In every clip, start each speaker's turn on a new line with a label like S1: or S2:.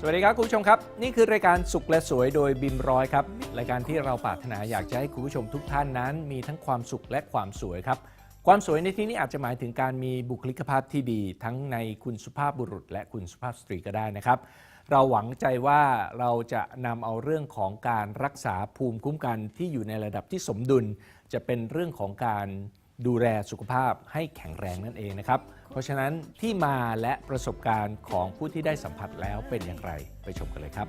S1: วัสดีครับคุณผู้ชมครับนี่คือรายการสุขและสวยโดยบิมร้อยครับรายการที่เราปรารถนาอยากจะให้คุณผู้ชมทุกท่านนั้นมีทั้งความสุขและความสวยครับความสวยในที่นี้อาจจะหมายถึงการมีบุคลิกภาพที่ดีทั้งในคุณสุภาพบุรุษและคุณสุภาพสตรีก็ได้นะครับเราหวังใจว่าเราจะนำเอาเรื่องของการรักษาภูมิคุ้มกันที่อยู่ในระดับที่สมดุลจะเป็นเรื่องของการดูแลสุขภาพให้แข็งแรงนั่นเองนะครับเพราะฉะนั้นที่มาและประสบการณ์ของผู้ที่ได้สัมผัสแล้วเป็นอย่างไรไปชมกันเลยครับ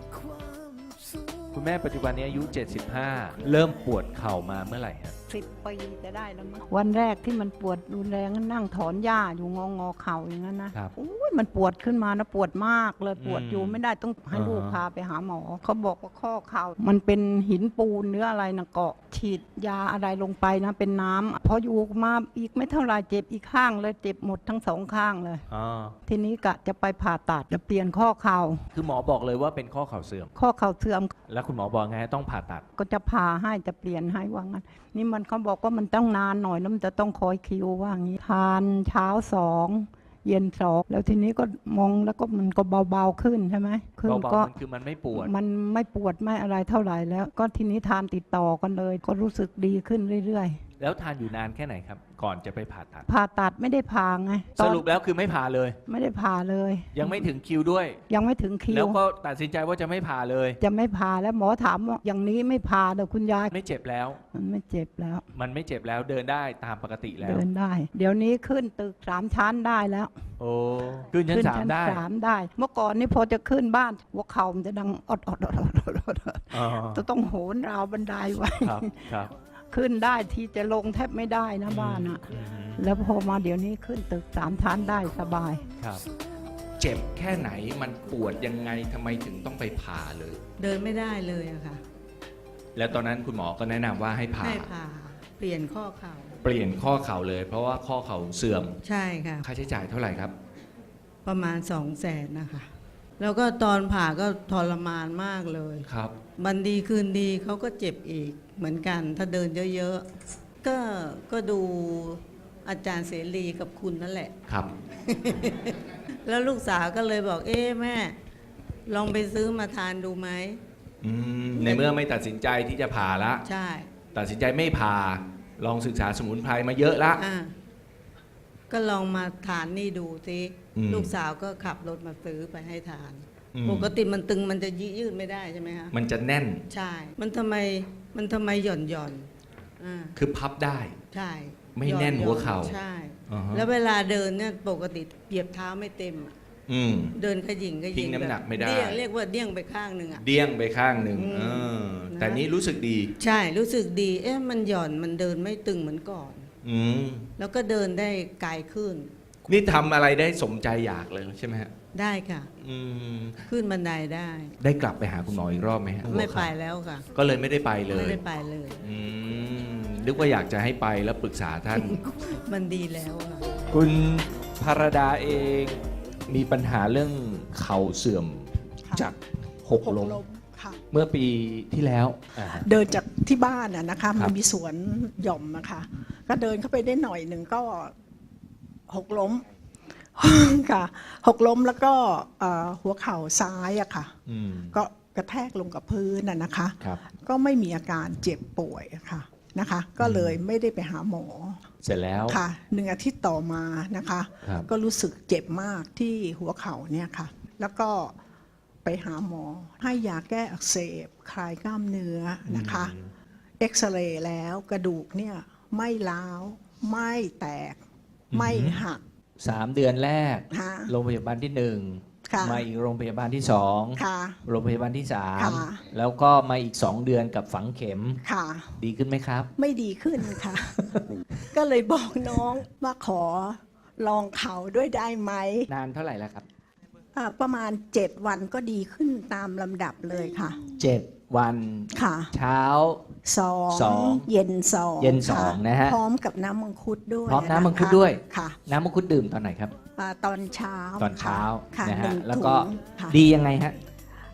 S1: คุณแม่ปัจจุบันนี้อายุ75เริ่มปวดเข่ามาเมื่อไหร่ฮะ
S2: 10 ปีจะได้แล้วมั้งวันแรกที่มันปวดรุนแรงนั่งถอนหญ้าอยู่งอเข่าอย่างนั้นนะมันปวดขึ้นมานะปวดมากเลยปวดอยู่ไม่ได้ต้องให้ลูกพาไปหาหมอเขาบอกว่าข้อเข่ามันเป็นหินปูนเนื้ออะไรนะเกาะฉีดยาอะไรลงไปนะเป็นน้ำพออยู่มาอีกไม่เท่าไรเจ็บอีกข้างเลยเจ็บหมดทั้งสองข้างเลยทีนี้กะจะไปผ่าตัดจะเปลี่ยนข้อเข่า
S1: คือหมอบอกเลยว่าเป็นข้อเข่าเสื่อม
S2: ข้อเข่าเสื่อม
S1: แล้วคุณหมอบอกไงต้องผ่าตัด
S2: ก็จะผ่าให้จะเปลี่ยนให้ว่างั้นนี่มันเขาบอกว่ามันต้องนานหน่อยแล้วมันจะต้องคอยคิวว่างี้ทานเช้า2เย็น2แล้วทีนี้ก็มองแล้วก็มันก็เบาๆขึ้นใช่ไหม
S1: คือก็คือมันไม่ปวด
S2: ไม่อะไรเท่าไหร่แล้วก็ทีนี้ทานติดต่อกันเลยก็รู้สึกดีขึ้นเรื่อย
S1: ๆแล้วทานอยู่นานแค่ไหนครับก่อนจะไปผ่า
S2: ตัดไม่ได้ผ่าไง
S1: สรุปแล้วคือไม่ผ่าเลย
S2: ไม่ได้ผ่าเลย
S1: ยังไม่ถึงคิวด้วย
S2: ยังไม่ถึงคิว
S1: แล้วก็ตัดสินใจว่าจะไม่ผ่าเลย
S2: จะไม่ผ่าแล้วหมอถามว่าอย่างนี้ไม่ผ่าเดี๋ยวคุณยาย
S1: ไม่เจ็บแล้ว
S2: มันไม่เจ็บแล้ว
S1: เดินได้ตามปกติแล้ว
S2: เดินได้เดี๋ยวนี้ขึ้นตึก3 ชั้นได้แล้ว
S1: โอ้ขึ้นชั้น3ได้
S2: เมื่อก่อนนี่พอจะขึ้นบ้านหัวเข่ามันจะดังอดจะต้องโหนราวบันไดไว้
S1: ครับ
S2: ขึ้นได้ที่จะลงแทบไม่ได้นะบ้านอะแล้วพอมาเดี๋ยวนี้ขึ้นตึก3 ชั้นได้สบาย
S1: ครับเจ็บแค่ไหนมันปวดยังไงทำไมถึงต้องไปผ่าเลย
S3: เดินไม่ได้เลยอะค่ะ
S1: แล้วตอนนั้นคุณหมอก็แนะนำว่าให้ผ่า
S3: เปลี่ยนข้อเข่า
S1: เลยเพราะว่าข้อเข่าเสื่อม
S3: ใช่ค่ะ
S1: ค่าใช้จ่ายเท่าไหร่ครับ
S3: ประมาณ200,000นะคะแล้วก็ตอนผ่าก็ทรมานมากเลย
S1: ครับ
S3: วันดีคืนดีเขาก็เจ็บอีกเหมือนกันถ้าเดินเยอะๆก็ดูอาจารย์เสรีกับคุณนั่นแหละ
S1: ครับ
S3: แล้วลูกสาวก็เลยบอกแม่ลองไปซื้อมาทานดูไหม
S1: ในเมื่อไม่ตัดสินใจที่จะผ่าละ
S3: ใช่
S1: ตัดสินใจไม่ผ่าลองศึกษาสมุนไพรมาเยอะละ
S3: ก็ลองมาทานนี่ดูสิลูกสาวก็ขับรถมาซื้อไปให้ทานปกติมันตึงมันจะยืดไม่ได้ใช่ไหมคะ
S1: มันจะแน่น
S3: ใช่มันทำไมหย่อน
S1: คือพับได้
S3: ใช่
S1: ไม่แน่นหัวเข่า
S3: ใช่แล้วเวลาเดินเนี่ยปกติเหยียบเท้าไม่เต็มเดินขยิง
S1: ทิ้งน้ำหนักไม่ได้
S3: เรียกว่าเดี้ยงไปข้างหนึ่ง
S1: เดี้ยงไปข้างหนึ่งแต่นี้รู้สึกดี
S3: ใช่รู้สึกดีมันหย่อนมันเดินไม่ตึงเหมือนก่อนแล้วก็เดินได้ไกลขึ้น
S1: นี่ทำอะไรได้สมใจอยากเลยใช่ไหมฮะ
S3: ได้ค่ะขึ้นบันได
S1: ได้กลับไปหาคุณหมออีกรอบไหมฮะ
S3: ไม่ไปแล้วค่ะ
S1: ก็เลยไม่ได้ไปเลย
S3: ไม่ได้ไปเลย
S1: นึกว่าอยากจะให้ไปแล้วปรึกษาท่าน
S3: มันดีแล้วค่ะ
S1: คุณภรดาเองมีปัญหาเรื่องเข่าเสื่อมจากหกล้มเมื่อปีที่แล้ว
S4: เดินจากที่บ้านนะคะมันมีสวนหย่อมนะคะก็เดินเข้าไปได้หน่อยหนึ่งก็หกล้มค่ะหกล้มแล้วก็หัวเข่าซ้ายอะค่ะก็กระแทกลงกับพื้นนะคะก็ไม่มีอาการเจ็บป่วยค่ะนะคะก็เลยไม่ได้ไปหาหมอ
S1: เสร็จแล้ว
S4: ค่ะ1 อาทิตย์ต่อมานะคะก็รู้สึกเจ็บมากที่หัวเข่าเนี่ยค่ะแล้วก็ไปหาหมอให้ยาแก้อักเสบคลายกล้ามเนื้อนะคะเอ็กซเรย์แล้วกระดูกเนี่ยไม่ร้าวไม่แตกไม่หัก
S1: 3 เดือนแรกโรงพยาบาลที่1มาอีกโรงพยาบาลที่2โรงพยาบาลที่3แล้วก็มาอีก2 เดือนกับฝังเข็มดีขึ้นไหมครับ
S4: ไม่ดีขึ้นค่ะ ก็เลยบอกน้องว่าขอลองเข่าด้วยได้ไหม
S1: นานเท่าไหร่แล้วครับ
S4: ประมาณ7 วันก็ดีขึ้นตามลำดับเลยค่ะ
S1: 7 วัน
S4: ค่ะ
S1: เช้า
S4: 2เย็น2
S1: นะฮะ
S4: พร้อมกับน้ำมังคุดด้วย
S1: พร้อมน้ำมังคุดด้วย
S4: ค่ะ
S1: น้ำมังคุดดื่มตอนไหนครับ
S4: ตอนเช้า
S1: นะฮะแล้วก็ดียังไงฮะ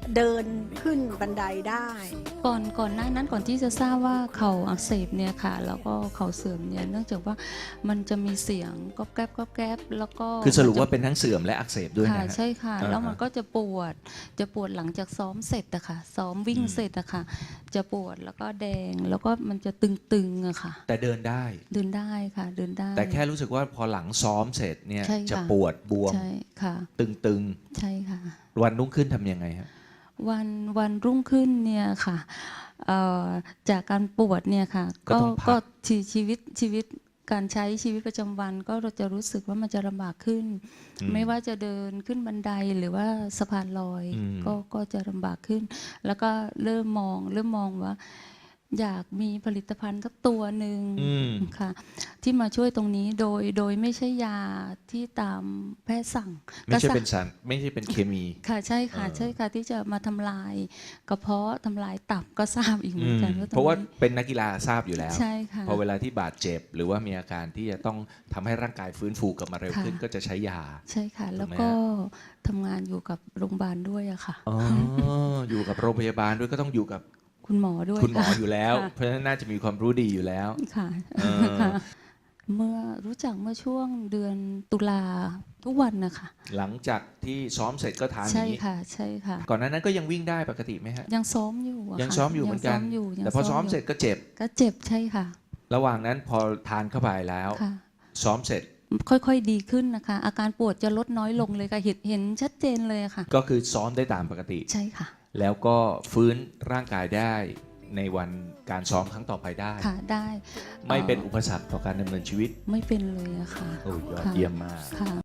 S4: เดินขึ้นบันไดได้
S5: ก่อนหน้านั้นก่อนที่จะทราบว่าเข่าอักเสบเนี่ยค่ะ แล้วก็เข่าเสื่อมเนี่ยเนื่องจากว่ามันจะมีเสียงก๊อบแก๊บก๊อบแก๊บแล้วก็
S1: คือสรุปว่าเป็นทั้งเสื่อมและอักเสบด้วย
S5: ค่ะ
S1: นะฮะ
S5: ใช่ค่ะ
S1: อ่า
S5: แล้วมันก็จะปวดหลังจากซ้อมเสร็จอะค่ะ ซ้อมวิ่งเสร็จอะค่ะ จะปวดแล้วก็แดงแล้วก็มันจะตึงๆอะค่ะ
S1: แต่เดินได้
S5: เดินได้ค่ะเดินได้
S1: แต่แค่รู้สึกว่าพอหลังซ้อมเสร็จเนี่ย
S5: ใช่ค่ะ
S1: จะปวดบวม
S5: ใช่ค่ะ
S1: ตึง
S5: ใช่ค่ะ
S1: ๆวันรุ่งขึ้นทำยังไงฮะ
S5: วันรุ่งขึ้นเนี่ยค่ะจากการปวดเนี่ยค่ะ
S1: ก็ต้องพัก
S5: ก็ชีวิตการใช้ชีวิตประจำวันก็เราจะรู้สึกว่ามันจะลำบากขึ้น ไม่ว่าจะเดินขึ้นบันไดหรือว่าสะพานลอย ก็จะลำบากขึ้น แล้วก็เริ่มมองว่า อยากมีผลิตภัณฑ์สักตัวหนึ่งค่ะ ที่มาช่วยตรงนี้โดยไม่ใช่ยาที่ตามแพทย์สั่ง
S1: ไม่ใช่
S5: ก็
S1: เป็นสารไม่ใช่เป็นเคมี
S5: ค่ะใช่ค่ะใช่ค่ะที่จะมาทำลายกระเพาะทำลายตับก็ทราบอีกเหมือนกันว่าต
S1: เพราะว่า
S5: นี้
S1: เป็นนักกีฬาทราบอยู่แล้ว
S5: ใช่ค่ะ
S1: พอเวลาที่บาดเจ็บ หรือว่ามีอาการที่จะต้องทำให้ร่างกายฟื้นฟูกลับมาเร็วขึ้น
S5: ค่ะ
S1: ก็จะใช้ยา
S5: ใช่ค่ะ แล้ว
S1: ถูกไหม
S5: ก็
S1: ฮะ
S5: ทำงานอยู่กับโรงพยาบาลด้วยอะค่ะ
S1: อ๋ออยู่กับโรงพยาบาลด้วยก็ต้องอยู่กับ
S5: คุณหมอด้วย
S1: คุณหมอ
S5: ค่ะ
S1: อยู่แล้ว
S5: ค่ะ
S1: เพราะฉะนั้นน่าจะมีความรู้ดีอยู่แล้ว
S5: ค่ะ
S1: เออ
S5: ค่ะ เมื่อรู้จักเมื่อช่วงเดือนตุลาทุกวันนะคะ
S1: หลังจากที่ซ้อมเสร็จก็ทานอ
S5: ใช่
S1: ย่างนี้
S5: ค่ะใช่ค่ะ
S1: ก่อนหน้านั้นก็ยังวิ่งได้ปกติไหมฮะ
S5: ยังซ้อมอยู่อะ
S1: ยัง
S5: ค่ะ
S1: ซ้อมอยู่เหมือนกัน
S5: ยังซ้อมอยู่ยัง
S1: แต่พอซ้อม
S5: ยู่
S1: เสร็จก็เจ็บ
S5: ก็เจ็บใช่ค่ะ
S1: ระหว่างนั้นพอทานเข้าไปแล้ว
S5: ค่ะ
S1: ซ้อมเสร็จ
S5: ค่อยๆดีขึ้นนะคะ อาการปวดจะลดน้อยลงเลยค่ะเห็นชัดเจนเลยอะค่ะ
S1: ก็คือซ้อมได้ตามปกติ
S5: ใช่ค่ะ
S1: แล้วก็ฟื้นร่างกายได้ในวันการซ้อมครั้งต่อไปได้
S5: ค่ะได้
S1: ไม่เป็นอุปสรรคต่อการดำเนินชีวิต
S5: ไม่เป็นเลยอะค่ะ
S1: โอ้ยยอด
S5: ค่ะ
S1: เยี่ยมมาก
S5: ค่ะ